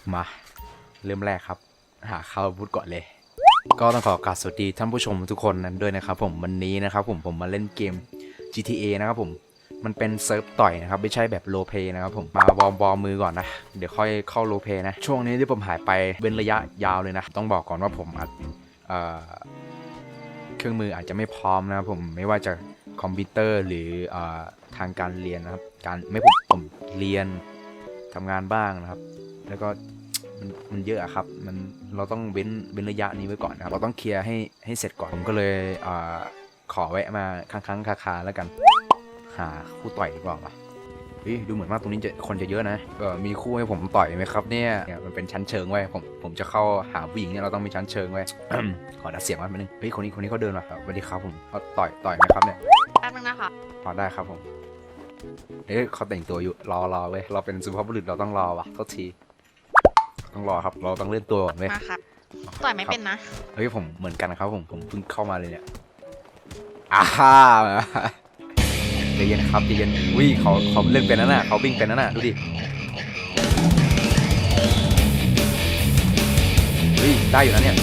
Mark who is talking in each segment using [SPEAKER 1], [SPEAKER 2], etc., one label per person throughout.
[SPEAKER 1] มาเริ่มแรกครับหาข้าวพูดก่อนเลยก็ต้องขอกราบสวัสดีท่านผู้ชมทุกคนนั้นด้วยนะครับผมวันนี้นะครับผมมาเล่นเกม GTA นะครับผมมันเป็นเซิร์ฟต่อยนะครับไม่ใช่แบบโรลเพลย์นะครับผมมาวอร์มมือก่อนนะเดี๋ยวค่อยเข้าโรลเพลย์นะช่วงนี้ที่ผมหายไปเป็นระยะยาวเลยนะต้องบอกก่อนว่าผมอัดเครื่องมืออาจจะไม่พร้อมนะครับผมไม่ว่าจะคอมพิวเตอร์หรือทางการเรียนนะครับการไม่ผมเรียนทำงานบ้างนะครับแล้วก็มันเยอะครับเราต้องเว้นระยะนี้ไว้ก่อนนะครับเราต้องเคลียร์ให้เสร็จก่อนผมก็เลยขอแวะมาครั้งคาแล้วกันหาคู่ต่อยดีกว่าดูเหมือนว่าตรงนี้คนจะเยอะนะมีคู่ให้ผมต่อยไหมครับเนี่ยมันเป็นชั้นเชิงไว้ผมจะเข้าหาผู้หญิงเนี่ยเราต้องมีชั้นเชิงไว้ ขอดัดเสียงมันนิดนึงคนนี้เขาเดินมาสวัสดีครับผมเขาต่อยไหมครับเนี่ย
[SPEAKER 2] แป๊บนึงนะคะ
[SPEAKER 1] พอได้ครับผมเขาแต่งตัวอยู่รอเว้ยเราเป็นสุภาพบุรุษเราต้องรอว่ะโทษทีต้องรอครับเราต้องเล่นตัวก่อนเว้ย
[SPEAKER 2] มาครับต่อยไม่เป็นนะ
[SPEAKER 1] ผมเหมือนกันครับผมเพิ่งเข้ามาเลยเนี่ยใจเย็นครับใจเย็นเขาเล่นเป็นนั่นน่ะเขาวิ่งเป็นนั่นน่ะดูดิได้อยู่นะเนี่ย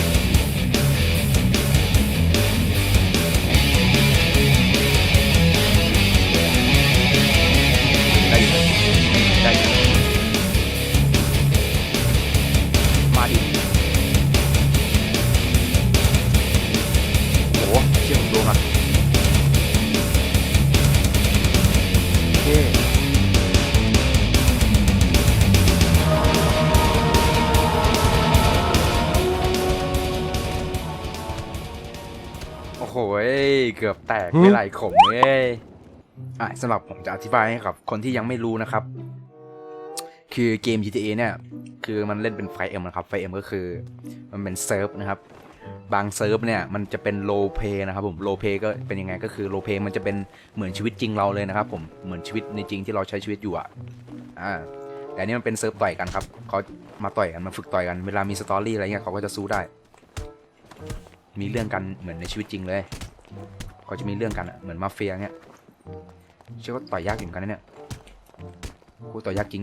[SPEAKER 1] ได้อยู่มาดิโอ้โหเชี่ยผมโดนอ่ะโอ้โหเกือบแตกไม่ไหลขมเลยสำหรับผมจะอธิบายให้ครับคนที่ยังไม่รู้นะครับคือเกม GTA เนี่ยคือมันเล่นเป็นไฟเอ็มนะครับไฟเอ็มก็คือมันเป็นเซิร์ฟนะครับบางเซิร์ฟเนี่ยมันจะเป็นโรลเพลย์นะครับผมโรลเพลย์ก็เป็นยังไงก็คือโรลเพลย์มันจะเป็นเหมือนชีวิตจริงเราเลยนะครับผมเหมือนชีวิตในจริงที่เราใช้ชีวิตอยู่แต่นี่มันเป็นเซิร์ฟต่อยกันครับเขามาต่อยกันมาฝึกต่อยกันเวลามีสตอรี่อะไรเงี้ยเขาก็จะสู้ได้มีเรื่องกันเหมือนในชีวิตจริงเลยเขาจะมีเรื่องกันเหมือนมาเฟียเงี้ยเชื่อว่าต่อยยากอยู่กันนะเนี่ยกูต่อยยากจริง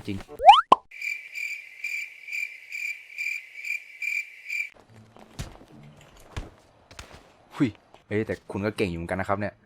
[SPEAKER 1] แต่คุณก็เก่งอยู่เหมือนกันนะครับเนี่ย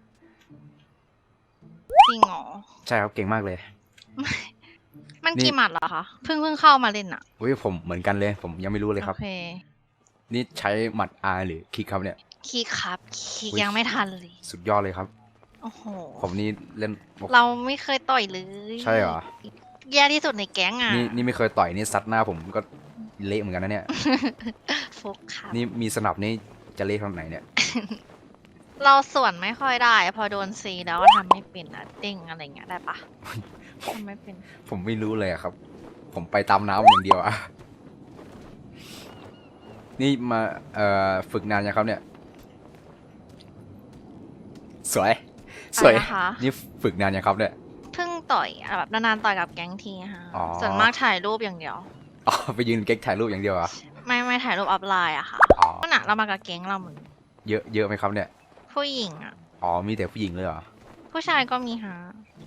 [SPEAKER 2] จริงเหรอ
[SPEAKER 1] ใช่ครับเก่งมากเลย
[SPEAKER 2] มันกี่หมัดเหรอคะเพิ่งเข้ามาเล่นอ่ะ
[SPEAKER 1] ผมเหมือนกันเลยผมยังไม่รู้เลยครับ
[SPEAKER 2] โอเค
[SPEAKER 1] นี่ใช้หมัด R หรือคลิกครับเนี่ย
[SPEAKER 2] คลิกครับคลิกยังไม่ทันเลย
[SPEAKER 1] สุดยอดเลยครับ
[SPEAKER 2] โอ้โห
[SPEAKER 1] ผมนี่เล่น
[SPEAKER 2] เราไม่เคยต่อยเลย
[SPEAKER 1] ใช่เหรอ
[SPEAKER 2] แย่ที่สุดในแก๊งอ่ะ
[SPEAKER 1] นี่ไม่เคยต่อยนี่ซัดหน้าผมก็เละเหมือนกันนะเนี่ย
[SPEAKER 2] ฟุกครับ
[SPEAKER 1] นี่มีสนับนี่จะเละขนาดไหนเนี่ย
[SPEAKER 2] เราส่วนไม่ค่อยได้พอโดนซีแล้วทำไม่เป็นอะเด้งอะไรเงี้ยได้ปะทำไม่เป็น
[SPEAKER 1] ผมไม่รู้เลยครับผมไปตามน้ำอย่างเดียวอะนี่มาฝึกนานยังครับเนี่ยสวยนี่ฝึกนานยังครับเนี่ย
[SPEAKER 2] เพิ่งต่อยแบบนานๆต่อยกับแก๊งทีค่ะส่วนมากถ่ายรูปอย่างเดียว
[SPEAKER 1] ไปยืนเก๊กถ่ายรูปอย่างเดียวอะ
[SPEAKER 2] ไม่ถ่ายรูปอัพไลน์อะค่ะก็หนักเรามากับแก๊งเราเหมือน
[SPEAKER 1] เยอะไหมครับเนี่ย
[SPEAKER 2] ผู้หญิงอ่ะ
[SPEAKER 1] มีแต่ผู้หญิงเลยเหรอ
[SPEAKER 2] ผู้ชายก็มีฮะ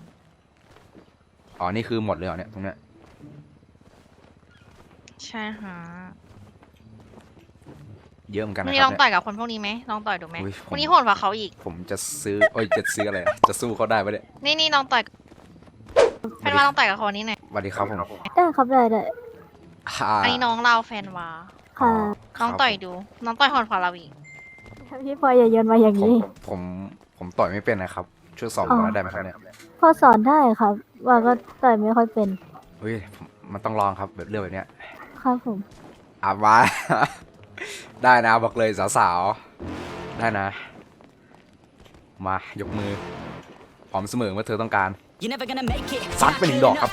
[SPEAKER 1] นี่คือหมดเลยเหรอเนี่ยตรงเนี้ย
[SPEAKER 2] ใช่ฮะ
[SPEAKER 1] เยอะเหมือนกันนะค
[SPEAKER 2] รั
[SPEAKER 1] บ
[SPEAKER 2] นี่ลองต่อยกับคนพวกนี้ไหมลองต่อยดูไหมวันนี้โหดกว่าเขาอีก
[SPEAKER 1] ผมจะซื้อจะซื้ออะไรจะสู้เขาได้ปะเนี่ย
[SPEAKER 2] นี่ลองต่อยเป็นว่าลองต่อยกับคนนี้หน่อย
[SPEAKER 1] สวัสดีครับผม
[SPEAKER 3] ได้ครับได้
[SPEAKER 2] อันนี้น้องเราแฟนวา
[SPEAKER 3] ค่ะ
[SPEAKER 2] น้องต่อยดูน้องต่อยโหดกว่าเราอีก
[SPEAKER 3] พี่พลอยอย่าโยนมาอย่างนี้
[SPEAKER 1] ผมต่อยไม่เป็นนะครับช่วยสอนผมได้ไหมครับเนี่ย
[SPEAKER 3] พอสอนได้ครับว่าก็ต่อยไม่ค่อยเป็น
[SPEAKER 1] มันต้องลองครับแบบเรื่องแบบเนี้ย
[SPEAKER 3] ครับผม
[SPEAKER 1] มาได้นะบอกเลยสาวๆได้นะมายกมือพร้อมเสมอเมื่อเธอต้องการซัดไป1 ดอกครับ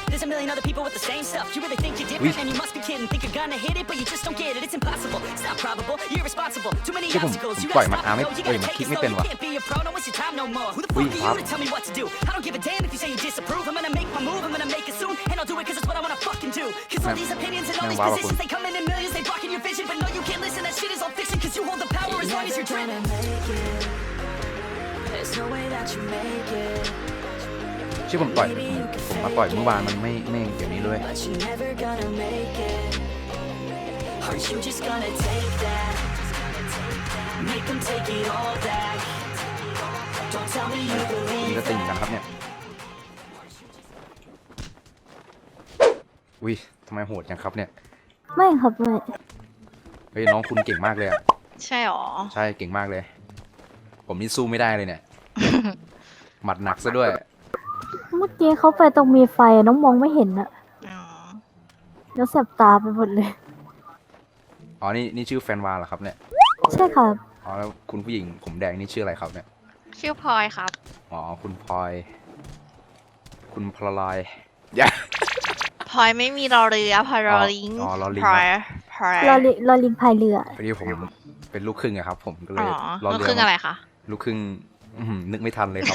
[SPEAKER 1] ที่ผมปล่อยมันไม่มันคลิกไม่เป็นวะครับแม่งว้าวคุณที่ผมมาต่อยเมื่อวานมันไม่อย่างนี้เลย
[SPEAKER 4] Aren't you just gonna take that? Make them take it all back. Don't tell me you
[SPEAKER 1] นี่
[SPEAKER 4] believe
[SPEAKER 1] ก็ติงกัน
[SPEAKER 4] that.
[SPEAKER 1] ครับเนี่ยอุ้ยทำไมโหดจังครับเนี่ย
[SPEAKER 3] ไม่ครับไม่
[SPEAKER 1] เฮ้ยน้องคุณเก่งมากเลยอ่ะ
[SPEAKER 2] ใช่หรอ
[SPEAKER 1] ใช่เก่งมากเลย ผมนี่สู้ไม่ได้เลยเนี่ย หมัดหนักซะด้วย
[SPEAKER 3] เมื่อกี้เขาไปตรงมีไฟน้องมองไม่เห็นอะ
[SPEAKER 2] อ๋อ
[SPEAKER 3] แล้วแสบตาไปหมดเลย
[SPEAKER 1] อ๋อนี่ชื่อแฟนวาเหรอครับเนี่ย
[SPEAKER 3] ใช่ครับ
[SPEAKER 1] อ๋อแล้วคุณผู้หญิงผมแดงนี่ชื่ออะไรครับเนี่ย
[SPEAKER 2] ชื่อพลอยครับ
[SPEAKER 1] อ๋อคุณพลอย คุณพลอยอย่า
[SPEAKER 2] พลอยไม่มีรอเรือพลอยรอลิง
[SPEAKER 1] อ๋อรอลิง
[SPEAKER 2] พลอยพลอย
[SPEAKER 3] รอลิงพายเรือ
[SPEAKER 1] พอดีผมเป็นลูกครึ่งอะครับ ผมก็เล
[SPEAKER 2] อ๋
[SPEAKER 1] ย
[SPEAKER 2] อ
[SPEAKER 1] รอ
[SPEAKER 2] ลูก
[SPEAKER 1] เรือ
[SPEAKER 2] ครึ่งอะไรคะ
[SPEAKER 1] ลูกครึ่งนึกไม่ทันเลยครับ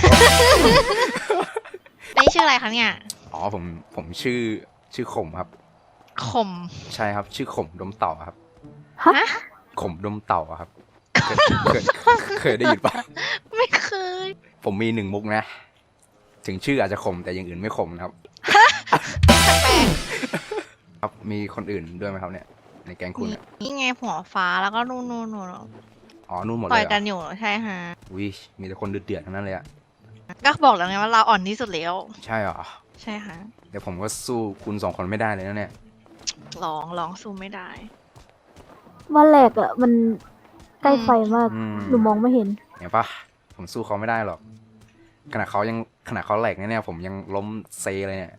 [SPEAKER 2] นี่ชื่ออะไรคะเนี่ย
[SPEAKER 1] อ๋อผมชื่อขมครับ
[SPEAKER 2] ขม
[SPEAKER 1] ใช่ครับชื่อขมดมเต่าครับ
[SPEAKER 3] ฮะ
[SPEAKER 1] ขมดมเต่าอะครับเคยได้ยินปะ
[SPEAKER 2] ไม่เคย
[SPEAKER 1] ผมมี1 มุกนะ ถึงชื่ออาจจะขมแต่อย่างอื่นไม่ขมนะครับ ครับมีคนอื่นด้วยไหมครับเนี่ย ในแก๊งคุณเนี่ย
[SPEAKER 2] นี่ไงหัวฟ้าแล้วก็นู่น
[SPEAKER 1] อ๋อนู่นหมด
[SPEAKER 2] ต่
[SPEAKER 1] เล
[SPEAKER 2] อย
[SPEAKER 1] ยเหร
[SPEAKER 2] กั
[SPEAKER 1] อน
[SPEAKER 2] อยู่ใช่ฮะ
[SPEAKER 1] วิมีแต่คนเดือดๆทั้งนั้นเลยอะ
[SPEAKER 2] ก็บอกแล้วไงว่าเราอ่อนที่สุดแล้ว
[SPEAKER 1] ใช่เหรอ
[SPEAKER 2] ใช่ฮะ
[SPEAKER 1] เดี๋ยวผมก็สู้คุณ2 คนไม่ได้เลยนะเนี่ย
[SPEAKER 2] ลองสู้ไม่ได้
[SPEAKER 3] ว่าแหลกอะมันใกล้ไฟมาก
[SPEAKER 1] อืม
[SPEAKER 3] หนูมองไม่เห็น
[SPEAKER 1] เห็นปะผมสู้เขาไม่ได้หรอกขนาดเขาแหลกเนี่ยผมยังล้มเซเลยเนี่ย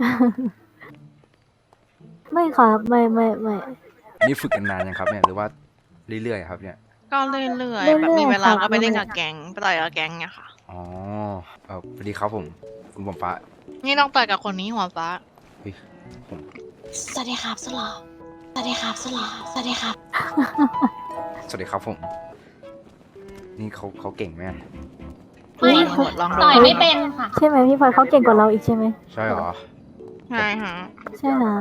[SPEAKER 3] ไม่ครับไม่
[SPEAKER 1] นี่ฝึกกันนานยังครับเนี่ยหรือว่าเรื่อยๆครับเนี่ย
[SPEAKER 2] ก็เรื่อยๆแบบมีเวลาก็ไปเล่นกับแก๊งไปต่อยกับแก๊งเนี่ยค่ะ
[SPEAKER 1] อ๋อสวัสดีครับผมคุณผมฟ้า
[SPEAKER 2] นี่ต้องต่อยกับคนนี้หัวฟ้า
[SPEAKER 1] เฮ้ยผม
[SPEAKER 5] สวัสดีครับสุดหล่อสวัสดีครับสุดหล่อสวัสดีครับ
[SPEAKER 1] สวัสดีครับผม นี่เขาเก่งไหม
[SPEAKER 5] ไม่
[SPEAKER 2] ลองดู
[SPEAKER 5] ต่อยไม่เป็นค่ะ
[SPEAKER 3] ใช่ไหมพี่พลอยเขาเก่งกว่าเราอีกใช่ไหม
[SPEAKER 1] ใช่เหรอ
[SPEAKER 2] ใช่ฮะ
[SPEAKER 3] ใช่ฮะ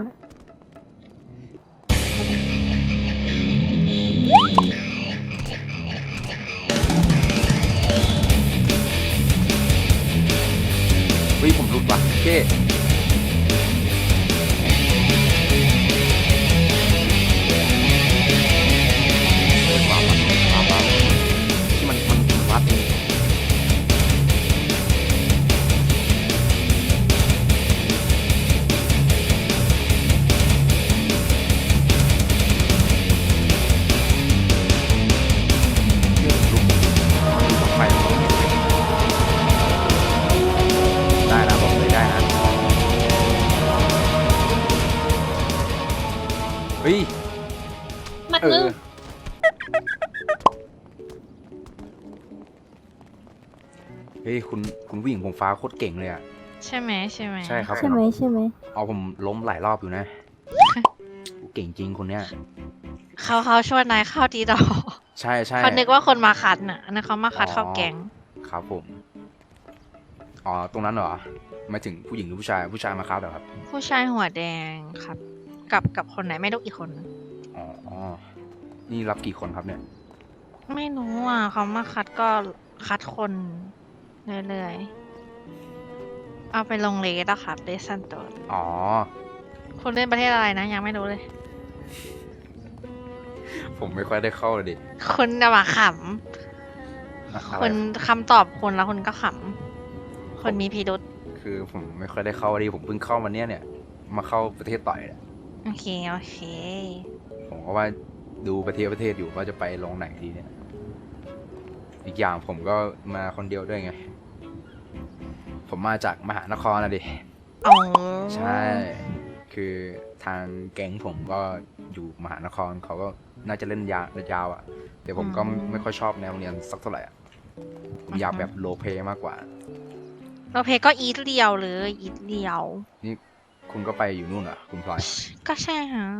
[SPEAKER 1] เฮ้ยผมหลุดว่ะเก้ว้าวที่มันวัดไปได้นะบอกเลยได้นะ เฮ้ย
[SPEAKER 5] มัด
[SPEAKER 1] เอ
[SPEAKER 5] นึ
[SPEAKER 1] อง เฮ้ยคุณผู้หญิงผมฟ้าโคตรเก่งเลยอ่ะ
[SPEAKER 2] ใช่ไหม
[SPEAKER 1] ใช่ครับ
[SPEAKER 3] ใช่ไหม
[SPEAKER 1] เอาผมล้มหลายรอบอยู่นะ เก่งจริงคนเนี้ย
[SPEAKER 2] เขาชวนนายเข้าดีดอ
[SPEAKER 1] ใช่ใช่
[SPEAKER 2] เขานึกว่าคนมาคัดน่ะอันนั้นเขามาคัดเข้าแก๊ง
[SPEAKER 1] ครับผม อ๋อ ตรงนั้นเหรอหมายถึงผู้หญิงหรือผู้ชาย ผู้ชายมาครับเหรอครับ
[SPEAKER 2] ผู้ชายหัวแดงครับ กับคนไหนไม่รู้อีกคนนึง
[SPEAKER 1] อ๋อ นี่รับกี่คนครับเนี่ย
[SPEAKER 2] ไม่รู้อ่ะเขามาคัดก็คัดคนเรื่อยๆเอาไปลงเลสอะครับเลสซันโต
[SPEAKER 1] อ๋อ
[SPEAKER 2] คุณเล่นประเทศอะไรนะ ยังไม่รู้เลย
[SPEAKER 1] ผมไม่ค่อยได้เข้าเลยดิ
[SPEAKER 2] คุณจะมาข
[SPEAKER 1] อะ
[SPEAKER 2] ำ
[SPEAKER 1] ไร
[SPEAKER 2] คุณคำตอบคุณแล้วคุณก็ขำคนมีพิรุษ
[SPEAKER 1] คือผมไม่ค่อยได้เข้าดิผมเพิ่งเข้ามาเนี่ย มาเข้าประเทศต่อยเนี่ย
[SPEAKER 2] โอเค
[SPEAKER 1] ผมก็ว่าดูประเทศอยู่ว่าจะไปลงไหนดีเนี่ย อีกอย่างผมก็มาคนเดียวด้วยไง ผมมาจากมหานครนะดิ
[SPEAKER 2] อ๋อ
[SPEAKER 1] ใช่ คือทางแก๊งผมก็อยู่มหานครเขาก็น่าจะเล่นยาวอ่ะ แต่ผมก็ไม่ค่อยชอบแนวเรียนสักเท่าไหร่อะผมอยากแบบโลเพมากกว่า
[SPEAKER 2] เราเพก็อีทเดียวเลยอีทเดียว
[SPEAKER 1] นี่คุณก็ไปอยู่นู่นเหรอคุณพลอย
[SPEAKER 2] ก็ใช่ฮะ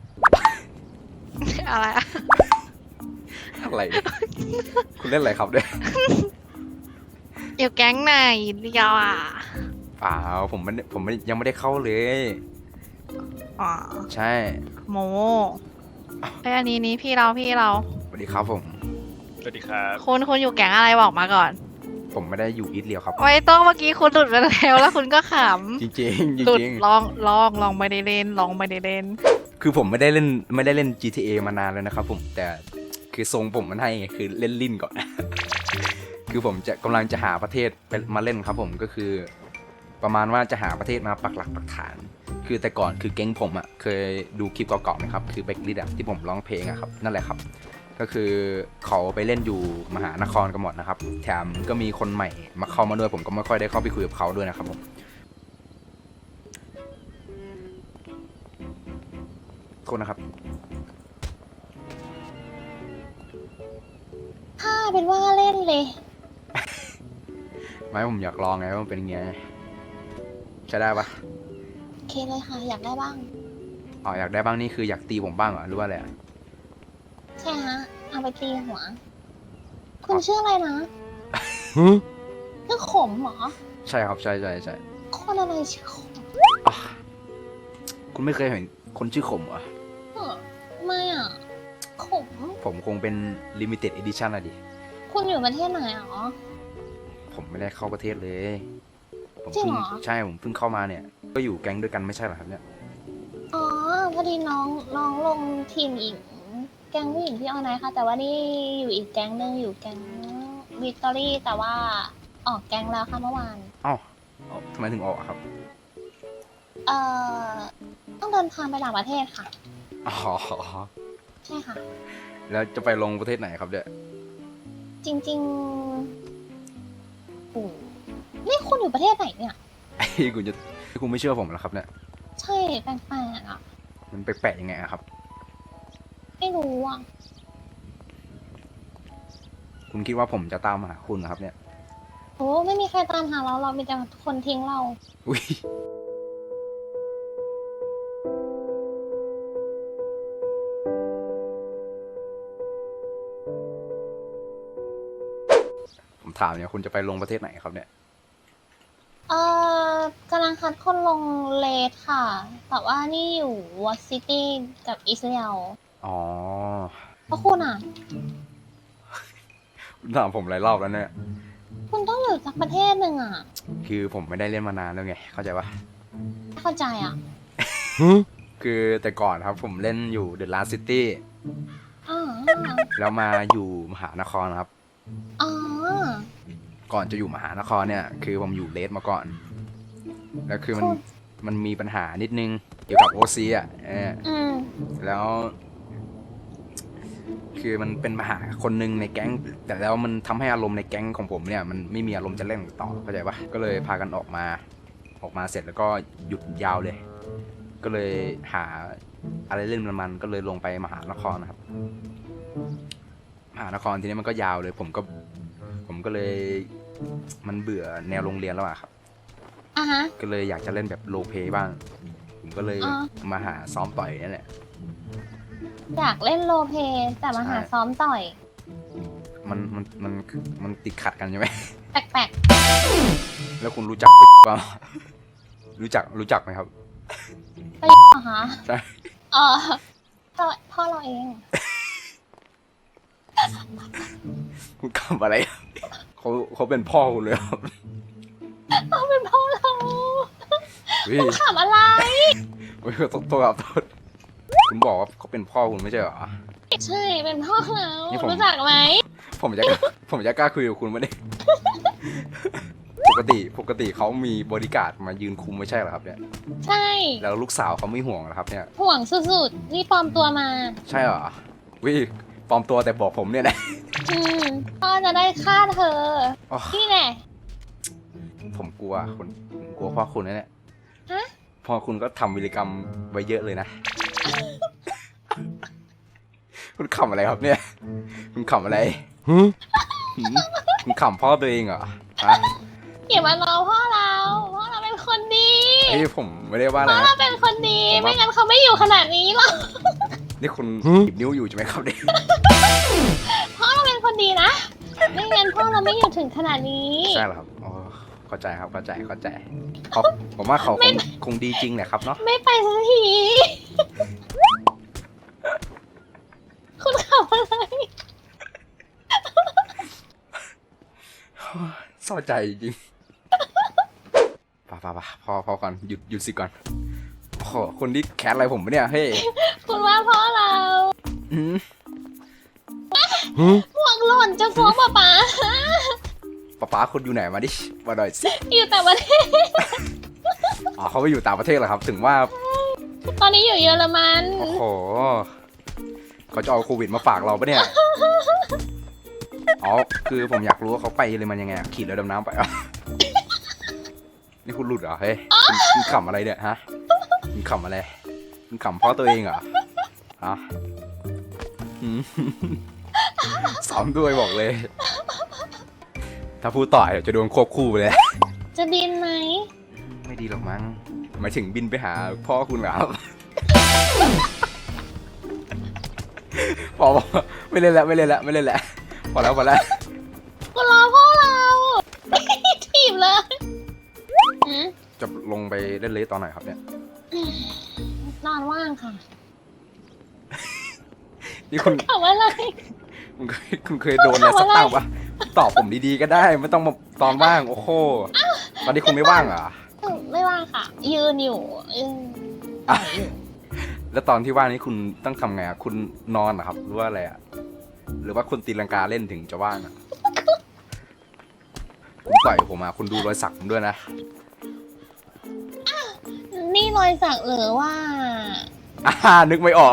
[SPEAKER 2] อะไรอะ
[SPEAKER 1] อะไรเนี่ยคุณเล่นอะไรครับเนี่ย
[SPEAKER 2] อยู่แก๊งไหนอีทเดียวอ่ะ
[SPEAKER 1] เปล่าผมยังไม่ได้เข้าเลย
[SPEAKER 2] อ๋อ
[SPEAKER 1] ใช่
[SPEAKER 2] โมไอยอันนี้พี่เรา
[SPEAKER 1] สวัสดีครับผม
[SPEAKER 6] สวัสดีครับ
[SPEAKER 2] คุณอยู่แก๊งอะไรบอกมาก่อน
[SPEAKER 1] ผมไม่ได้อยู่อีทเรียวครับ
[SPEAKER 2] ไม่ต้องเมื่อกี้คุณหลุดไปแล้วแล้วคุณก็ข
[SPEAKER 1] จริงๆจ
[SPEAKER 2] ำหลุด
[SPEAKER 1] ริง
[SPEAKER 2] ลองไม่ได้เล่น
[SPEAKER 1] คือผมไม่ได้เล่น GTA มานานแล้วนะครับผมแต่คือทรงผมมันให้ไงคือเล่นลิ้นก่อน คือผมจะกำลังจะหาประเทศไปมาเล่นครับผมก็คือ ประมาณว่าจะหาประเทศมาปักหลักปักฐาน คือแต่ก่อนคือแก๊งผมอ่ะเคยดูคลิปเก่าๆไหมครับคือแบ็คลิสที่ผมร้องเพลงอะครับนั่นแหละครับก็คือเขาไปเล่นอยู่มหานครกันหมดนะครับแถมก็มีคนใหม่มาเข้ามาด้วยผมก็ไม่ค่อยได้เข้าไปคุยกับเขาด้วยนะครับผมโทษนะครับ
[SPEAKER 5] ถ้าเป็นว่าเล่นเลย
[SPEAKER 1] ไม่ผมอยากลองไงว่ามันเป็นไงใช้ได้ปะ
[SPEAKER 5] โอเคเลยค่ะ อยากได้บ้าง
[SPEAKER 1] อ๋ออยากได้บ้างนี่คืออยากตีผมบ้างเหรอหรือว่าอะไรอะ
[SPEAKER 5] ใช่ฮะ เอาไปตีหัว คุณชื่ออะไรนะชื่อขมเหรอ
[SPEAKER 1] ใช่ครับใช่ใช่ใช่
[SPEAKER 5] คนอะไรชื่อขม
[SPEAKER 1] อ่ะคุณไม่เคยเห็นคนชื่อขมเหรอ
[SPEAKER 5] ไม่อ่ะ ขม
[SPEAKER 1] ผมคงเป็น limited edition อะดิ
[SPEAKER 5] คุณอยู่ประเทศไหนหรอ
[SPEAKER 1] ผมไม่ได้เข้าประเทศเลย ผม
[SPEAKER 5] จริง
[SPEAKER 1] เพิ่ง
[SPEAKER 5] เหรอ
[SPEAKER 1] ใช่ผมเพิ่งเข้ามาเนี่ย ก็อยู่แก๊งด้วยกันไม่ใช่เหรอครับเนี่ย
[SPEAKER 5] อ๋อ พอดีน้องลงทีมหญิง แก๊งผู้หญิงที่ออนไลน์ค่ะ แต่ว่านี่อยู่อีกแก๊งหนึงอยู่แก๊งวิกตอรี่ แต่ว่าออกแก๊งแล้วค่ะเมื่อวาน
[SPEAKER 1] เอ้าทำไมถึงออกอะครับ
[SPEAKER 5] เอ่อ ต้องเดินทางไปต่างประเทศค่ะ
[SPEAKER 1] อ๋อ
[SPEAKER 5] ใช่ค่ะ
[SPEAKER 1] แล้วจะไปลงประเทศไหนครับเนี่ย
[SPEAKER 5] จริงๆโอ้นี่คุณอยู่ประเทศไหนเนี่ย
[SPEAKER 1] ไอ้คุณไม่เชื่อผมเหรอครับเนี่ย
[SPEAKER 5] ใช่แปลกๆอ่ะ
[SPEAKER 1] มันแปลกๆยังไงอะครับ
[SPEAKER 5] ไม่รู้อ่ะ
[SPEAKER 1] คุณคิดว่าผมจะตามหาคุณเหรอครับเนี่ย
[SPEAKER 5] โอ้ไม่มีใครตามหาเรา เรามีแต่คนทิ้งเรา
[SPEAKER 1] อุ้ยผมถามเนี่ยคุณจะไปลงประเทศไหนครับเนี่ย
[SPEAKER 5] กำลังคัดคนลงเลทค่ะ แต่ว่านี่อยู่วอซิตี้กับอิสราเอล
[SPEAKER 1] อ๋อ
[SPEAKER 5] เพราะคุณอ่ะ
[SPEAKER 1] คุณถามผมหลายรอบแล้วเนี่ย
[SPEAKER 5] คุณต้องอยู่จากประเทศหนึ่งอ่ะ
[SPEAKER 1] คือผมไม่ได้เล่นมานานแล้วไง เข้าใจปะ
[SPEAKER 5] ไม่เข้าใจอ่ะ
[SPEAKER 1] คือแต่ก่อนครับผมเล่นอยู่ The Last City
[SPEAKER 5] อ๋อ
[SPEAKER 1] แล้วมาอยู่มหานครครับ
[SPEAKER 5] อ๋อ
[SPEAKER 1] ก่อนจะอยู่มหานครเนี่ย คือผมอยู่เลสมาก่อน แล้วคือมันมีปัญหานิดนึงเกี่ยวกับโอซีอ่ะ
[SPEAKER 5] อืม
[SPEAKER 1] แล้ว คือมันเป็นปัญหาคนหนึ่งในแก๊ง แต่แล้วมันทำให้อารมณ์ในแก๊งของผมเนี่ยมันไม่มีอารมณ์จะเล่นต่อ เข้าใจปะก็เลยพากันออกมาเสร็จแล้วก็หยุดยาวเลย ก็เลยหาอะไรเล่นมันก็เลยลงไปมหานครนะครับ มหานครทีนี้มันก็ยาวเลย ผมก็เลยมันเบื่อแนวโรงเรียนแล้วอะครับ
[SPEAKER 5] อ่ะฮะ
[SPEAKER 1] ก็เลยอยากจะเล่นแบบโรลเพลย์บ้าง ผมก็เลย
[SPEAKER 5] อ๋อ
[SPEAKER 1] มาหาซ้อมต่อยนี่แหละ
[SPEAKER 5] อยากเล่นโรลเพลย์แต่มาหา
[SPEAKER 1] ใช่
[SPEAKER 5] ซ้อมต่อย
[SPEAKER 1] มันติดขัดกันใช่ไหม
[SPEAKER 5] แปลก
[SPEAKER 1] แล้วคุณรู้จักเปล่ารู้จักไหมครับ
[SPEAKER 5] ๆไปเหรอคะ
[SPEAKER 1] ใช่
[SPEAKER 5] อ๋อพ่อเราเอง
[SPEAKER 1] คุณกำอะไร เขาเป็นพ่อคุณเลยครับ
[SPEAKER 5] เขาเป็นพ่อเรา
[SPEAKER 1] วิ
[SPEAKER 5] คุณถามอะไร
[SPEAKER 1] วิตัวครับโทษคุณบอกว่าเขาเป็นพ่อคุณไม่ใช่เหรอ
[SPEAKER 5] ใช่เป็นพ่อเรา
[SPEAKER 1] นี่ผม
[SPEAKER 5] รู้จักไหม
[SPEAKER 1] ผมจะกล้าคุยกับคุณไหมเนี่ย ปกติเขามีบริการดมายืนคุมไม่ใช่เหรอครับเนี่ย
[SPEAKER 5] ใช่
[SPEAKER 1] แล้วลูกสาวเขาไม่ห่วงเหรอครับเนี่ย
[SPEAKER 5] ห่วงสุดๆ นี่ปลอมตัวมา
[SPEAKER 1] ใช่เหรอวิปลอมตัวแต่บอกผมเนี่ยนะ
[SPEAKER 5] พ่อจะได้ฆ่าเธอ
[SPEAKER 1] อ๋อ
[SPEAKER 5] นี่แน่
[SPEAKER 1] ผมกลัวพ่อคุณนะเนี่ย
[SPEAKER 5] ฮะ
[SPEAKER 1] พ่อคุณก็ทำวิรกรรมไว้เยอะเลยนะ คุณขำอะไรครับเนี่ย คุณขำอะไรหืมคุณขำพ่อตัวเองเหรอฮะ
[SPEAKER 5] อย่ามาล้อพ่อเราเป็นคนดี
[SPEAKER 1] เฮ้ยผมไม่ได้ว่าอะไร
[SPEAKER 5] พ่อ
[SPEAKER 1] นะ
[SPEAKER 5] เราเป็นคนดี
[SPEAKER 1] ผมว่า
[SPEAKER 5] ไม่งั้นเขาไม่อยู่ขนาดนี้หรอก
[SPEAKER 1] นี่คุณหยิบนิ้วอยู่ใช่ไหมครับเนี่ย
[SPEAKER 5] พ่อเราเป็นคนดีนะ ไม่งั้นพ่อเราไม่อยู่ถึงขนาดนี้
[SPEAKER 1] ใช่เหรอครับอ๋อเข้าใจครับเข้าใจเขาผมว่าเขาคงดีจริงแหละครับเนาะ
[SPEAKER 5] ไม่ไปสักที คุณขับอะไร
[SPEAKER 1] เศร้าใจจริงป่ะพอก่อนหยุดสิก่อนโอ้โหคนที่แคสอะไรผมปะเนี่ยเฮ้ย
[SPEAKER 5] คุณว่าเพราะเรา
[SPEAKER 1] อืม
[SPEAKER 5] หมวกหล่นจะฟ้องป๊าป๊า
[SPEAKER 1] ป๊าคุณอยู่ไหนมาดิมาหน่อยสิ
[SPEAKER 5] อยู่แต่ประเทศ
[SPEAKER 1] อ๋อเขาไปอยู่ต่างประเทศเหรอครับ ถึงว่า
[SPEAKER 5] ตอนนี้อยู่เยอรมัน
[SPEAKER 1] โอ้โหเขาจะเอาโควิดมาฝากเราปะเนี่ยอ๋อคือผมอยากรู้ว่าเขาไปเลยมันยังไงอะขี่เรือดำน้ำไปเหรอนี่คุณหลุดเหรอเฮ้ยคุณขำอะไรเนี่ยฮะคุณขำอะไรคุณขำเพราะตัวเองเหรอฮะอืมซ้อมด้วยบอกเลย ถ้าพูดต่อเดี๋ยวจะโดนควบคู่ไปเลย
[SPEAKER 5] จะบินไหม
[SPEAKER 1] ไม่ดีหรอกมั้งหมายถึงบินไปหาพ่อคุณเหรอครับ พอไม่เล่นแล้วไม่เล่นแล้วไม่เล่นแล้วพอแล้วพอแล้ว
[SPEAKER 5] คุณรอพ่อเรา ถีบเลยหืม
[SPEAKER 1] จะลงไปเล่นเลสตอนไหนครับเนี่ย
[SPEAKER 5] นอนว่างค่ะ
[SPEAKER 1] นี่คุณ
[SPEAKER 5] ถามว่าอะไร
[SPEAKER 1] คุณเคยโดนอะไรสักตั้งปะตอบผมดีๆก็ได้ไม่ต้องมาตอนว่างโอ้โหตอนนี้คุณไม่ว่างเหรอ
[SPEAKER 5] ไม่ว่างค่ะ ยืนอยู่ยืน
[SPEAKER 1] อ่ะแล้วตอนที่ว่างนี้คุณต้องทำไงอ่ะคุณนอนเหรอครับหรือว่าอะไรอ่ะหรือว่าคุณตีลังกาเล่นถึงจะว่างอ่ะคุณต่อยผมมาคุณดูรอยสักผมด้วยนะ
[SPEAKER 5] นี่รอยสักหรือว่า
[SPEAKER 1] นึกไม่ออก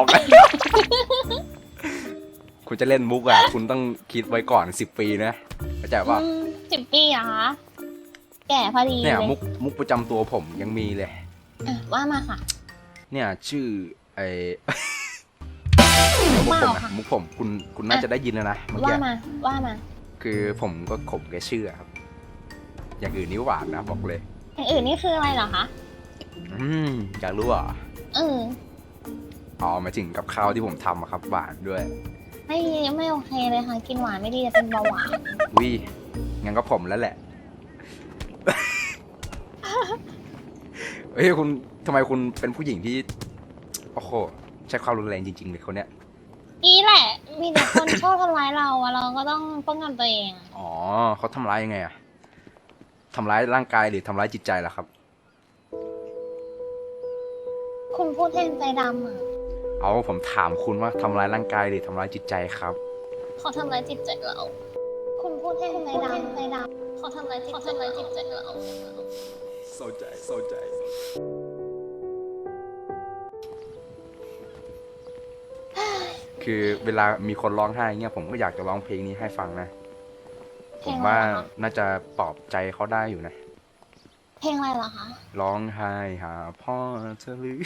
[SPEAKER 1] คุณจะเล่นมุกอ่ะคุณต้องคิดไว้ก่อน10 ปีนะเข้าใจป่ะ
[SPEAKER 5] 10 ปีเหรอคะแก่พอดี
[SPEAKER 1] เนี่ย
[SPEAKER 5] เลย
[SPEAKER 1] มุกประจำตัวผมยังมีเลย
[SPEAKER 5] อ่ะว่ามาค่ะ
[SPEAKER 1] เนี่ยชื่อไอ
[SPEAKER 5] ว้าวค่ะ
[SPEAKER 1] มุกผมคุณน่าจะได้ยินแล้วนะเมื่อ
[SPEAKER 5] ว่า
[SPEAKER 1] กี้
[SPEAKER 5] มาว่ามา
[SPEAKER 1] คือผมก็ข่มแกชื่อครับ อย่างอื่นนี่หวานนะบอกเลย
[SPEAKER 5] อย่างอื่นนี่คืออะไรเหรอคะ
[SPEAKER 1] อยากรู้เหรอ่ะ
[SPEAKER 5] เออ
[SPEAKER 1] อ๋อหมายถึงกับข้าวที่ผมทำอะครับหวานด้วย
[SPEAKER 5] ไม่โอเคเลยค่ะ กินหวานไม่ดีจะเป็นเบาหวาน
[SPEAKER 1] วิงั้นก็ผมแล้วแหละ เฮ้ยคุณทำไมคุณเป็นผู้หญิงที่โอ้โหใช้ความรุนแรงจริงๆเลยคนเนี้ย
[SPEAKER 5] นี่แหละ มีแต่คนชอบทำร้ายเราอะเราก็ต้องป้องกันตัวเอง
[SPEAKER 1] อ๋อเขาทำร้ายยังไงอะทำร้ายร่างกายหรือทำร้ายจิตใจล่ะครับ
[SPEAKER 5] คุณพูดแทนใจดำอะ
[SPEAKER 1] เอาผมถามคุณว่าทำร้ายร่างกายหรือทำร้ายจิตใจครับ
[SPEAKER 5] เขาทำร้ายจิตใจเรา คุณพูดแทนใจดำเขาทำร้ายจิตใจเรา
[SPEAKER 1] เข้าใจคือเวลามีคนร้องไห้เงี้ยผมก็อยากจะร้องเพลงนี้ให้ฟังนะ ผมว่าน่าจะปลอบใจเขาได้อยู่นะ
[SPEAKER 5] เพลงอะไรเหรอคะ
[SPEAKER 1] ร้องไห้หาพ่อเธอหรือ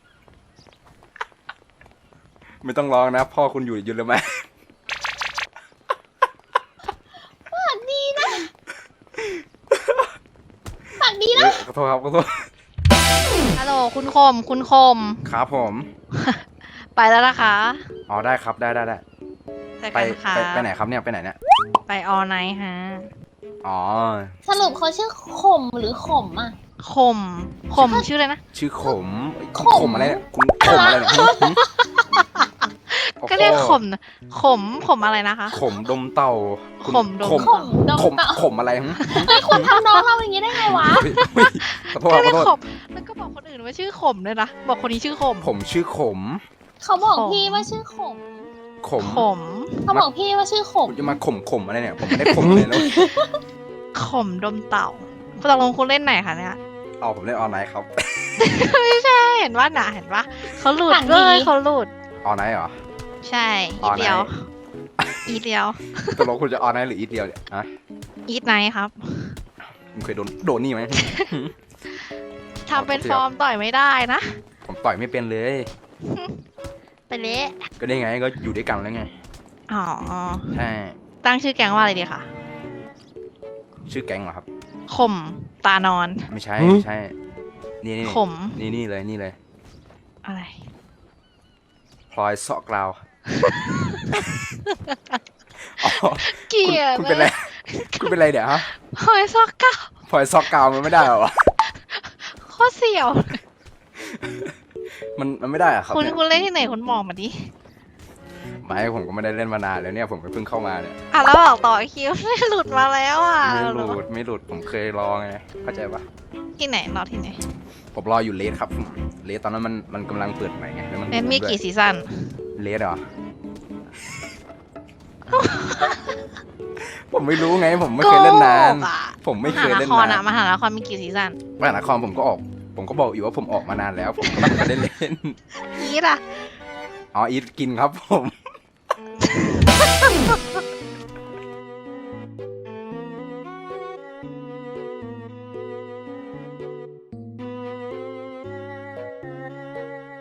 [SPEAKER 1] ไม่ต้องร้องนะ พ่อคุณอยู่เลยไหม
[SPEAKER 5] ปากดีนะปากดีนะ
[SPEAKER 1] ขอโทษครับขอโทษ
[SPEAKER 2] ฮัลโหลคุณคม
[SPEAKER 1] ครับผม
[SPEAKER 2] ไปแล้วนะคะ
[SPEAKER 1] อ๋อได้ครับได้
[SPEAKER 2] เจอ
[SPEAKER 1] ไป
[SPEAKER 2] กันค่ะ
[SPEAKER 1] ไปไหนครับเนี่ยไปไหนเนี่ย
[SPEAKER 2] ไปออไนท์ฮะ
[SPEAKER 1] อ๋อ
[SPEAKER 5] สรุปเขาชื่อขมหรือขมอ่ะ
[SPEAKER 2] ขมชื่ออะไรนะ
[SPEAKER 1] ชื่อขม
[SPEAKER 5] ขม
[SPEAKER 1] ขมอะไรเนี่ยคุณขมอะไรเนี่ยหึโอ้โห
[SPEAKER 2] ก็เรียกขมนะขมอะไรนะคะ
[SPEAKER 1] ขมดมเต่าคุณ
[SPEAKER 2] ขมดม
[SPEAKER 1] ขม
[SPEAKER 5] ขมดม
[SPEAKER 1] ขม
[SPEAKER 5] เต่า
[SPEAKER 1] ขมอะไรหึ
[SPEAKER 5] เฮ้ยคุณทำน้องเราอย่างนี้ได้ไงวะ
[SPEAKER 1] เฮ้ยขอโทษ
[SPEAKER 2] ก็
[SPEAKER 1] ข
[SPEAKER 2] เรี
[SPEAKER 1] อย
[SPEAKER 2] ก
[SPEAKER 1] โทษ
[SPEAKER 2] ขมแล้วก็บอกคนอื่นว่าชื่อขมด้วยนะบอกคนนี้ชื่อขม
[SPEAKER 1] ผมชื่อขม
[SPEAKER 5] เขาบอก
[SPEAKER 2] ขม
[SPEAKER 5] พี่ว่าชื่อขม
[SPEAKER 1] ขม
[SPEAKER 2] ขม
[SPEAKER 5] เขาบอกพี่ว่าชื่อขม
[SPEAKER 1] คุณจะมาขมอะไรเนี่ยผมไม่ได้ขมเลยแล้ว
[SPEAKER 2] ขมดมเต่าตกลงคุณเล่นไหนคะเนี่ย
[SPEAKER 1] เอาผมเล่นออนไลน์ครับ
[SPEAKER 2] ไม่ใช่เห็นว่าหนาเห็นว่าเขาหลุดเลยเขาหลุด
[SPEAKER 1] ออนไลน์เหรอ
[SPEAKER 2] ใช่
[SPEAKER 1] อ
[SPEAKER 2] อี
[SPEAKER 1] อนไนท์
[SPEAKER 2] เดียวอีเดียว
[SPEAKER 1] ตกลงคุณจะออนไลน์หรืออีทเดียวเนี่ยฮะ
[SPEAKER 2] อีทไนท์ครับ
[SPEAKER 1] คุณเคยโดนนี่ไหม
[SPEAKER 2] ทำเป็นฟอร์มต่อยไม่ได้นะ
[SPEAKER 1] ผมต่อยไม่เป็นเลย
[SPEAKER 2] ไปเละ
[SPEAKER 1] ก็ได้ไงก็อยู่ด้วยกันแล้วไง
[SPEAKER 2] อ๋อ
[SPEAKER 1] ใช่
[SPEAKER 2] ตั้งชื่อแก๊งว่าอะไรดีคะ
[SPEAKER 1] ชื่อแก๊งเหรอครับ
[SPEAKER 2] ข่มตานอน
[SPEAKER 1] ไม่ใช่
[SPEAKER 6] หืม
[SPEAKER 1] ไม่ใช่นี่
[SPEAKER 2] ข่ม
[SPEAKER 1] นี่เลยนี่เลย
[SPEAKER 2] อะไร
[SPEAKER 1] พลอยเสาะกราวอ๋อ
[SPEAKER 2] เกลียด
[SPEAKER 1] คุณเป็นไรคุณเป็นไรเดี๋ยวฮะ
[SPEAKER 2] หอยซอกเก้า
[SPEAKER 1] พลอยเสาะกราวมันไม่ได้เหรอวะ
[SPEAKER 2] โคตรเสี่ยว
[SPEAKER 1] มันไม่ได้เหรอะครับ
[SPEAKER 2] คุณ
[SPEAKER 1] เนี่ย
[SPEAKER 2] คุณเล่นที่ไหนคุณบอกมาดิ
[SPEAKER 1] ไม่ผมก็ไม่ได้เล่นมานานแล้วเนี่ยผมก็เพิ่งเข้ามาเนี่ย
[SPEAKER 2] อ่ะแล้วบอกต่อคิวไม่หลุดมาแล้วอ่ะ
[SPEAKER 1] ไม่หลุดผมเคยลองไงเข้าใจปะ
[SPEAKER 2] ที่ไหนรอที่ไหน
[SPEAKER 1] ผมรออยู่เลสครับเลสตอนนั้นมันกำลังเปิดใหม่ไงแล้วมัน
[SPEAKER 2] เน็ตมีกี่ซีซั่น
[SPEAKER 1] เลสเหรอ ผมไม่รู้ไง ผมไม่เคยเล่นนาน
[SPEAKER 2] โกหกอะ
[SPEAKER 1] ผมไม่เคยเล่น
[SPEAKER 2] มหาน
[SPEAKER 1] าน
[SPEAKER 2] ครมหานครมีกี่ซีซั่น
[SPEAKER 1] มหานครผมก็บอกอยู่ว่าผมออกมานานแล้ว ผมก็ไม่เคยได้เล่น
[SPEAKER 2] อีทอะ
[SPEAKER 1] อ๋ออีทกินครับผม